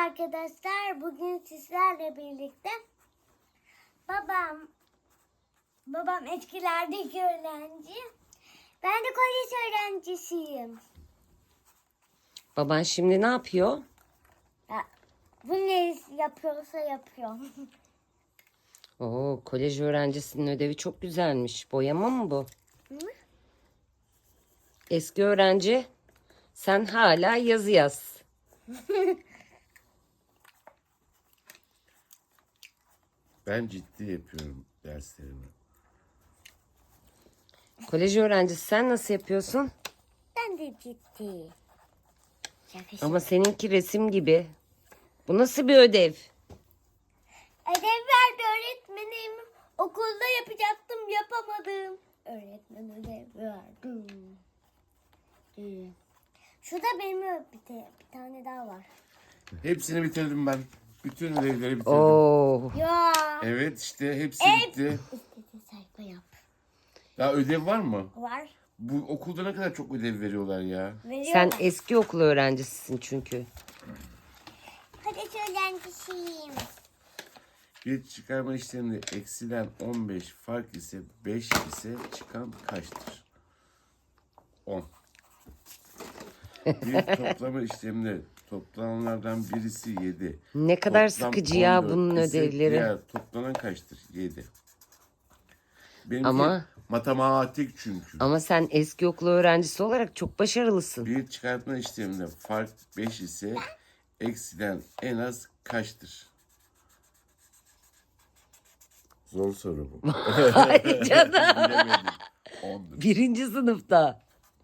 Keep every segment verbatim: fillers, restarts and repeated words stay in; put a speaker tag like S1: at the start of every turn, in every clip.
S1: arkadaşlar. Bugün sizlerle birlikte babam babam etkilerdeki öğrenci. Ben de kolej öğrencisiyim.
S2: Baban şimdi ne yapıyor?
S1: Ya, bu ne yapıyorsa yapıyor.
S2: Oo, kolej öğrencisinin ödevi çok güzelmiş. Boyama mı bu?
S1: Hı?
S2: Eski öğrenci, sen hala yazı yaz.
S3: Ben ciddi yapıyorum derslerimi.
S2: Kolej öğrencisi sen nasıl yapıyorsun?
S1: Ben de ciddi. Şaka
S2: Ama seninki resim gibi. Bu nasıl bir ödev?
S1: Ödev verdi öğretmenim. Okulda yapacaktım, yapamadım. Öğretmen ödev verdi. Hmm. Şurada benim bir, de, bir tane daha var.
S3: Hepsini bitirdim ben. Bütün ödevleri bitirdim.
S2: Oo,
S1: Ya.
S3: Evet işte hepsi
S1: Hep-
S3: bitti.
S1: İstediğin sayfa yap.
S3: Daha ödev var mı?
S1: Var.
S3: Bu okulda ne kadar çok ödev veriyorlar ya.
S1: Veriyorlar.
S2: sen eski okul öğrencisisin çünkü.
S1: Kolej öğrencisiyim.
S3: Bir çıkarma işleminde eksilen on beş fark ise beş ise çıkan kaçtır? on. Bir toplama işleminde toplananlardan birisi yedi.
S2: Ne kadar
S3: Toplam
S2: sıkıcı ya
S3: on dört
S2: bunun
S3: ise
S2: ödevleri.
S3: Diğer toplanan kaçtır? yedi. Benimki
S2: Ama-
S3: matematik çünkü.
S2: Ama sen eski okul öğrencisi olarak çok başarılısın.
S3: Bir çıkartma işleminde fark beş ise eksiden en az kaçtır? Zor soru bu.
S2: Hadi canım.
S3: Bilemedim. ondur.
S2: Birinci sınıfta.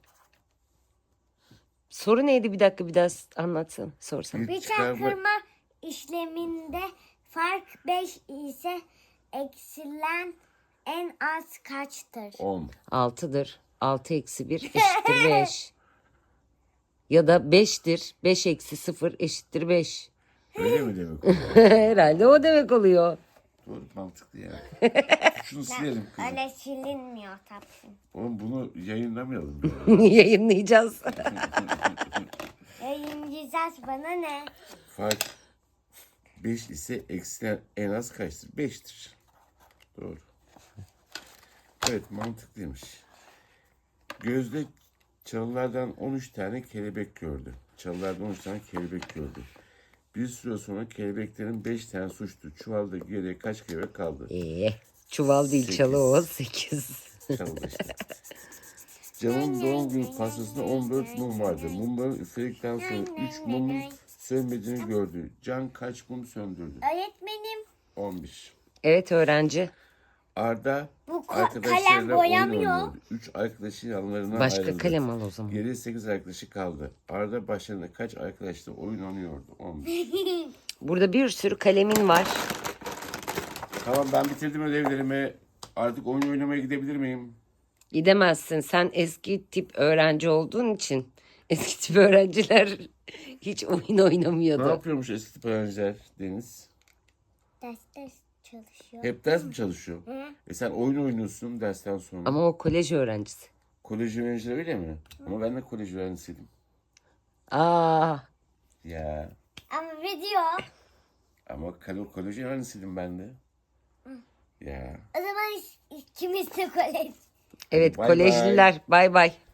S2: Soru neydi, bir dakika bir daha anlatsana, sorsana.
S1: Bir çarpma işleminde fark beş ise eksilen en az kaçtır?
S3: on.
S2: altıdır. altı eksi bir eşittir beş. Ya da beştir. beş eksi sıfır eşittir beş.
S3: Öyle mi demek oluyor?
S2: Herhalde o demek oluyor.
S3: Doğru, mantıklı yani. Şunu silelim kızım.
S1: Öyle silinmiyor tabii.
S3: Oğlum bunu yayınlamayalım. ya.
S2: Yayınlayacağız.
S1: Yayınlayacağız, bana ne?
S3: Fark beş ise eksiden en az kaçtır? beştir. Doğru. Evet, mantıklıymış. Gözde çalılardan on üç tane kelebek gördü. Çalılardan on üç tane kelebek gördü. Bir süre sonra kelebeklerin beş tane suçtu. Çuvalda geriye kaç kelebek kaldı?
S2: Ee, çuval değil
S3: Sekiz.
S2: çalı o. sekiz.
S3: Çalıda işte. Can'ın doğum günü pastasında on dört mum vardı. Mumların üfledikten sonra üç mumun sönmediğini gördü. Can kaç mum söndürdü?
S1: Öğretmenim,
S3: on bir.
S2: Evet öğrenci.
S3: Arda
S1: Bu ko-
S3: arkadaşlarıyla
S1: kalem
S3: oyun
S1: boyamıyor.
S3: oynuyordu. Üç arkadaşı yanlarına
S2: Başka
S3: ayrıldı.
S2: kalem al o zaman.
S3: Geriye sekiz arkadaşı kaldı. Arda başlarında kaç arkadaşla oyun oynuyordu? on bir.
S2: Burada bir sürü kalemin var.
S3: Tamam, ben bitirdim ödevlerimi. Artık oyun oynamaya gidebilir miyim?
S2: Gidemezsin. Sen eski tip öğrenci olduğun için. Eski tip öğrenciler hiç oyun
S3: Ne
S2: oynamıyordu.
S3: yapıyormuş eski tip öğrenciler Deniz?
S1: ders ders çalışıyor.
S3: Hep ders mi çalışıyor?
S1: Hı.
S3: E sen oyun oynuyorsun dersten sonra.
S2: Ama o kolej öğrencisi.
S3: Kolej öğrencileri öyle mi? Ama ben de kolej öğrencisiydim.
S2: Aa,
S3: Ya.
S1: Ama video.
S3: Ama kalo kolej öğrencisiydim ben de. Ya.
S1: O zaman ikimiz de kolej.
S2: evet
S3: Bay
S2: kolejliler. Bay bay.